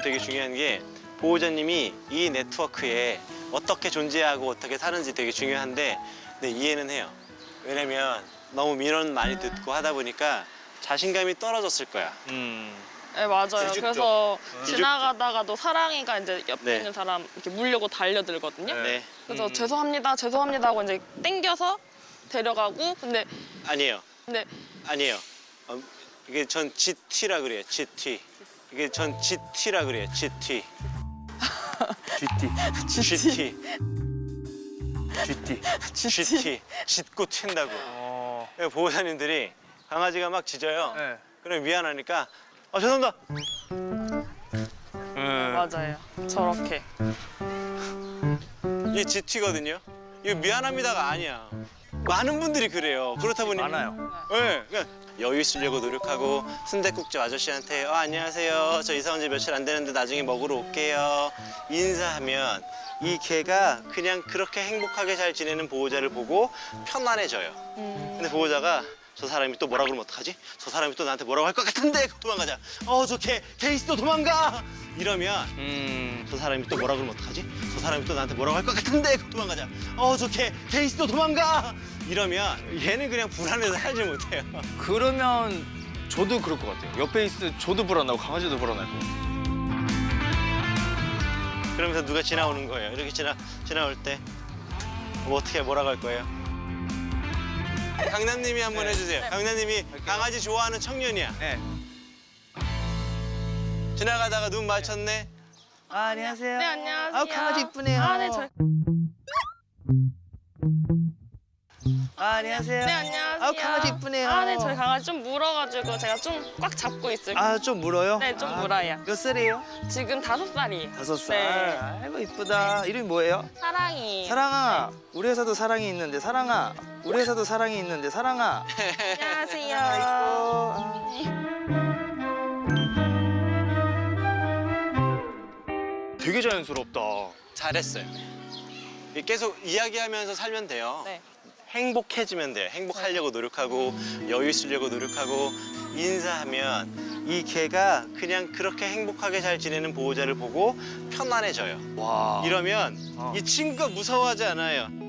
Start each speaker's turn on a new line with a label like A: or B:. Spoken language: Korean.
A: 되게 중요한 게 보호자님이 이 네트워크에 어떻게 존재하고 어떻게 사는지 되게 중요한데 네, 이해는 해요. 왜냐면 너무 민원 많이 듣고 하다 보니까 자신감이 떨어졌을 거야.
B: 네, 맞아요.
A: 기죽죠.
B: 그래서 지나가다가도 사랑이가 이제 옆에
A: 네.
B: 있는 사람 이렇게 물려고 달려들거든요.
A: 네.
B: 그래서 죄송합니다, 죄송합니다 하고 이제 땡겨서 데려가고 근데
A: 아니에요. 이게 전 GT라 그래요. GT. 이게 전 GT라 그래요. GT. GT. GT. 짖고 튄다고. 그래서 보호자님들이 강아지가 막 짖어요.
C: 네.
A: 그럼 미안하니까 죄송합니다.
B: 맞아요. 저렇게.
A: 이게 GT거든요. 이거 미안합니다가 아니야. 많은 분들이 그래요. 그렇다 보니
C: 많아요.
A: 네, 그냥 여유 있으려고 노력하고 순댓국집 아저씨한테 안녕하세요. 저 이사 온 지 며칠 안 되는데 나중에 먹으러 올게요. 인사하면 이 개가 그냥 그렇게 행복하게 잘 지내는 보호자를 보고 편안해져요. 근데 보호자가 저 사람이 또 뭐라 그러면 어떡하지? 저 사람이 또 나한테 뭐라고 할 것 같은데 도망가자. 저 개 있어 도망가. 이러면 저 사람이 또 뭐라 그러면 어떡하지? 저 사람이 또 나한테 뭐라고 할 것 같은데 도망가자. 저 개 있어 도망가. 이러면 얘는 그냥 불안해서 살지 못해요.
C: 그러면 저도 그럴 것 같아요. 옆에 있을 저도 불안하고 강아지도 불안할 거.
A: 그러면서 누가 지나오는 거예요. 이렇게 지나올 때 뭐 어떻게 뭐라고 할 거예요? 강남님이 한번 해주세요. 강남님이 강아지 좋아하는 청년이야.
C: 네.
A: 지나가다가 눈 맞췄네.
C: 안녕하세요.
B: 네, 안녕하세요.
C: 강아지 이쁘네요.
B: 네, 저희.
C: 안녕하세요.
B: 네, 안녕하세요.
C: 강아지 이쁘네요.
B: 네, 저희 강아지 좀 물어가지고 제가 좀 꽉 잡고 있을게요.
C: 좀 물어요?
B: 네, 좀 물어요.
C: 몇 살이에요?
B: 지금 5살이에요.
C: 5살.
B: 네.
C: 아이고 이쁘다. 이름이 뭐예요?
B: 사랑이.
C: 사랑아. 우리 회사도 사랑이 있는데 사랑아. 우리 회사도 사랑이 있는데 사랑아.
B: 안녕하세요.
C: 되게 자연스럽다.
A: 잘했어요. 계속 이야기하면서 살면 돼요.
B: 네.
A: 행복해지면 돼요. 행복하려고 노력하고 여유 있으려고 노력하고 인사하면 이 개가 그냥 그렇게 행복하게 잘 지내는 보호자를 보고 편안해져요.
C: 와.
A: 이러면 이 친구가 무서워하지 않아요.